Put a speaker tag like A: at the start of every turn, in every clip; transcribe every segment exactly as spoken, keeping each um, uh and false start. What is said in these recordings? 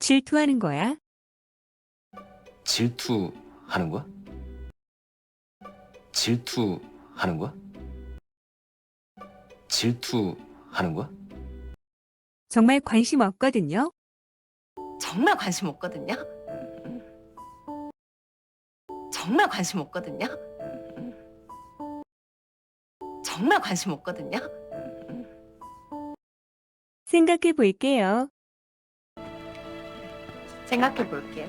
A: 질투하는 거야?
B: 질투하는 거야? 질투하는 거야? 질투하는 거야?
A: 정말 관심 없거든요.
C: 정말 관심 없거든요. 음, 음. 정말 관심 없거든요. 음, 음. 정말 관심 없거든요. 음, 음.
A: 생각해 볼게요.
C: 생각해 볼게요.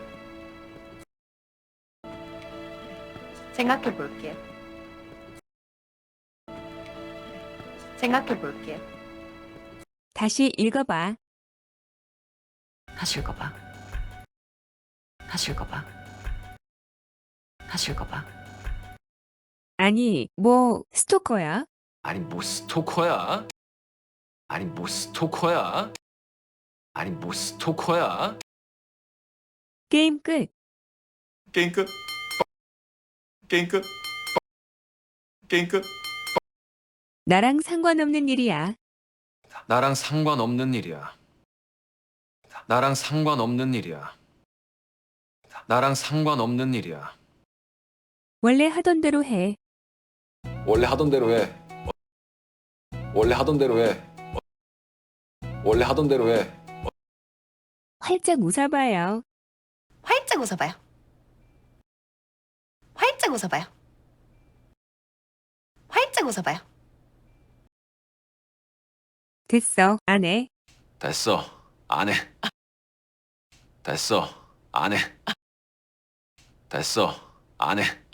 C: 생각해 볼게요. 생각해 볼게요.
A: 다시 읽어봐.
C: 다시 읽어봐. 다시 읽어봐. 다시 읽어봐.
A: 아니, 뭐 스토커야?
B: 아니 뭐 스토커야? 아니 뭐 스토커야? 아니 뭐 스토커야?
A: 게임 끝.
B: 게임 끝. 게임 끝. 게임 끝.
A: 나랑 상관없는 일이야.
B: 나랑 상관없는 일이야. 나랑 상관없는 일이야. 나랑 상관없는 일이야.
A: 원래 하던 대로 해.
B: 원래 하던 대로 해. 원래 하던 대로 해. 원래 하던 대로 해.
A: 활짝 웃어봐요.
C: 활짝 웃어봐요. 활짝 웃어봐요. 활짝 웃어봐요.
A: 됐어, 안 해.
B: 됐어. 안 해. 됐어. 안 해. 됐어. 안 해.